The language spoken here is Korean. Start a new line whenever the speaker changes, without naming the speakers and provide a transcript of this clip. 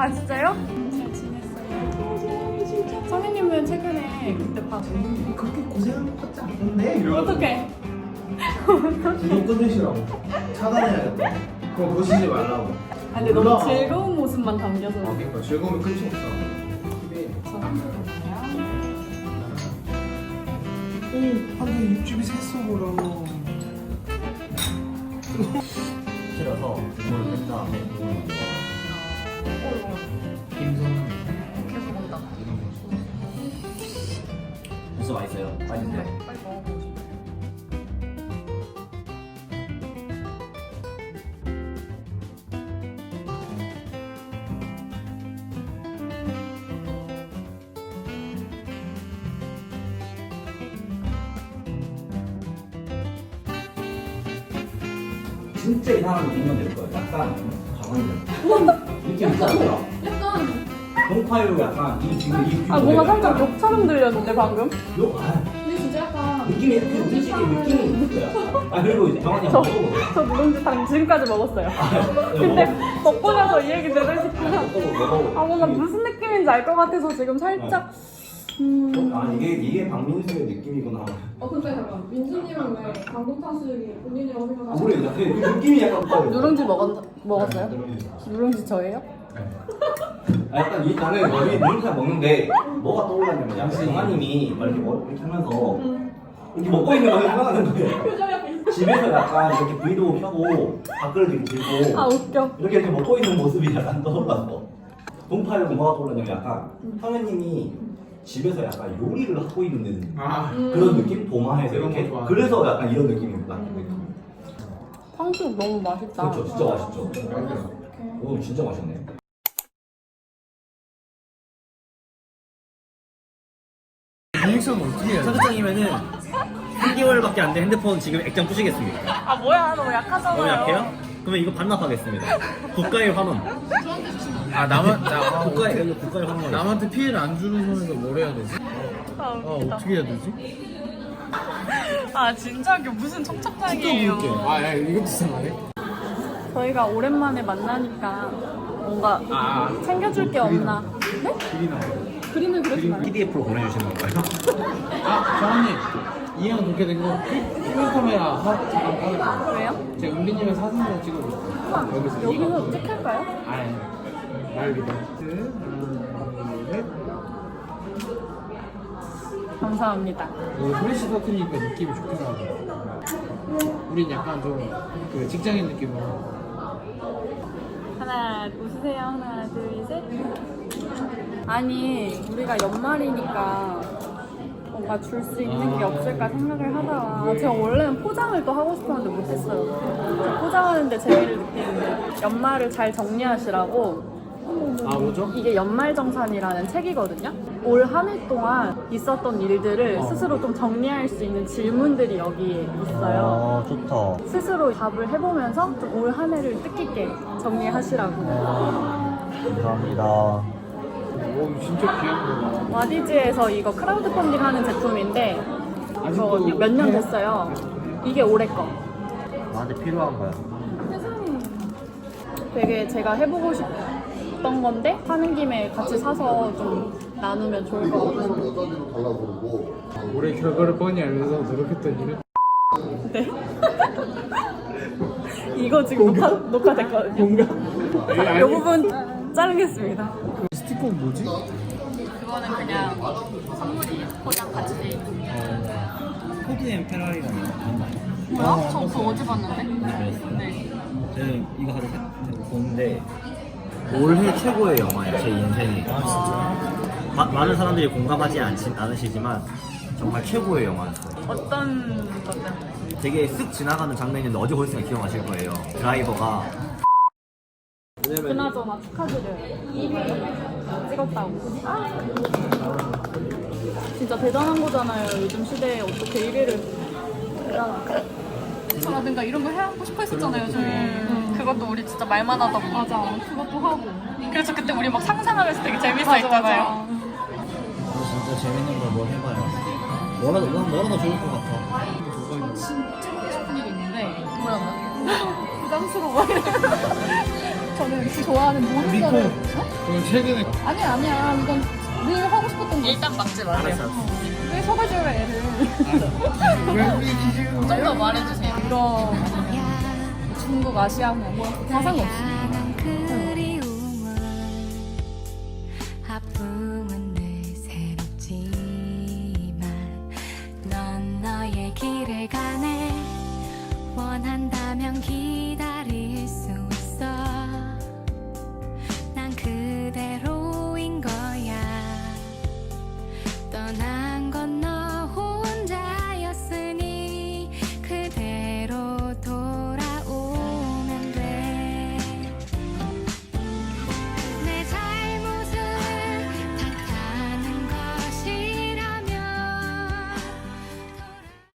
아 진짜요? 잘 지냈어요. 진짜. 선생님은 최근에 그때 봤어.
그렇게 고생한 것 같지 않던데?
어떡해?
지금 끊으시라고. 차단해야겠다. 그거 보시지 말라고.
아 근데 너무 즐거운 모습만 담겨서.
그러니까 즐거움이 끝이 없어.
저 한국이에요.
오, 한국 육즙이 샜어 그럼.
틀어서 국물을 뺀 다음에 국물을 넣어. 김선
계속 먹다.
벌써 맛있어요. 맛있는데.
빨리 먹어보고 싶어.
진짜 이상한 느낌만 낼 거예요. 약간 가만히 느낌 있지 않아요?
약간
동파요 약간 이 지금 이
아 뭔가 살짝 욕처럼 들렸는데 방금?
근데
진짜 약간
느낌이 이렇게 움직이는 느낌이 있는 거야. 아 그리고 이제 정한이
저-
한번 먹어보세요.
저 누룽지탕 지금까지 먹었어요. 근데 먹고 나서 이 얘기 들으니까 아 뭔가 무슨 느낌인지 알 것 같아서 지금 살짝
아 이게 박민수의 느낌이구나.
근데 잠깐 민수님은 왜 강동타스이 본인이라고 생각하세요?
모르겠다. 그 느낌이 약간 똑같아요.
누룽지 먹었어요? 누룽지 저예요?
아, 약간 이 나는 여기 누룽지 먹는데 뭐가 떠올랐냐면 약간 정아님이 막 이렇게 이렇게 하면서 이렇게 먹고 있는 거 생각하는 거예요.
표정이 약간
집에서 약간 이렇게 브이로그 켜고 밥그릇 이렇게 들고
아 웃겨.
이렇게 먹고 있는 모습이 약간 떠올랐어. 동파요 뭐가 떠올랐냐면 약간 성현님이 집에서 약간 요리를 하고 있는 그런 느낌? 도마에서
그런
이렇게.
거 좋아.
그래서 약간 이런 느낌이 나는 느낌.
탕수육 너무 맛있다.
그렇죠, 진짜 맛있죠. 오, 진짜 맛있네.
리액션 어떻게 해야 돼?
사장님이면은 3개월밖에 안 된 핸드폰 지금 액정 부시겠습니다.
아 뭐야 너무 약하잖아요.
너무 약해요? 그러면 이거 반납하겠습니다. 국가의 환원.
아
국가의 환원.
남한테 피해를 안 주는 선에서 뭘 해야 되지?
아 웃기다.
어떻게 해야 되지?
아 진짜 이게 무슨 청첩장이에요.
야 이것도 이상하네.
저희가 오랜만에 만나니까 뭔가 챙겨줄 게 없나? 네?
길이 나와.
그림을 그려주나요?
PDF로 보내주시는 건가요?
정원님 이형 그렇게 된 거 필카메라 잠깐 꺼내줘.
왜요?
제가 은비님의 사진 좀 찍어줄게요.
여기서 찍힐까요?
아니 말 믿어. 하나 둘 셋.
감사합니다.
프레시 터트리니까 느낌이 좋게 나와. 우린 약간 좀 그 직장인 느낌으로.
하나 웃으세요. 하나 둘 셋. 아니 우리가 연말이니까 뭔가 줄 수 있는 게 없을까 생각을 하다가 제가 원래는 포장을 또 하고 싶었는데 못했어요. 포장하는데 재미를 느끼는데 연말을 잘 정리하시라고.
뭐죠?
이게 연말정산이라는 책이거든요. 올 한 해 동안 있었던 일들을 스스로 좀 정리할 수 있는 질문들이 여기에 있어요.
좋다.
스스로 답을 해보면서 좀 올 한 해를 뜻깊게 정리하시라고.
감사합니다.
오 진짜 귀한 거.
와디즈에서 이거 크라우드 펀딩 하는 제품인데 이거 몇 년 됐어요. 이게 올해 거.
나한테 필요한 거야.
세상에. 되게 제가 해보고 싶던 건데 하는 김에 같이 사서 좀 나누면 좋을 것 같아서.
올해 결과를 뻔히 알면서 노력했던 일은
네. 이거 지금 녹화됐거든요.
뭔가
이 부분 자르겠습니다.
스티커는 뭐지?
그거는 그냥 선물이에요. 포장 같이 돼 있고.
포드 앤 페라리라는 거 봤나요?
뭐야? 저 그거 어제 봤는데? 네.
저는 이거 하루 보는데 올해 최고의 영화예요. 제 인생에. 많은 사람들이 공감하지 않으시지만 정말 최고의 영화였어요.
어떤 것 때문에?
되게 쓱 지나가는 장면인데 어제 보셨으면 기억하실 거예요. 드라이버가
그나저나 축하드려요. 1위 찍었다고. 진짜 대단한 거잖아요. 요즘 시대에 어떻게 1위를.
라든가 이런 거 해보고 싶어 했었잖아요 저희.
그것도 우리 진짜 말만 하다 보니.
맞아 그것도 하고.
그래서 그때 우리 막 상상하면서 되게 재밌어 했잖아요.
진짜 재밌는 걸 뭘 해봐요. 뭐라도 좋을 것 같아.
진짜 하고 싶은 일이 있는데
뭐야?
부담스러워.
저는 그 좋아하는 모든
니코
거를
그럼 최근에
아니야 이건 늘 하고 싶었던 거
일단 막지 마세요.
알았어.
왜 속아줘요 애를
왜 우리 지금
좀 더 말해주세요.
이거 중국 아시아면 뭐 가상 없이
그리움은 아픈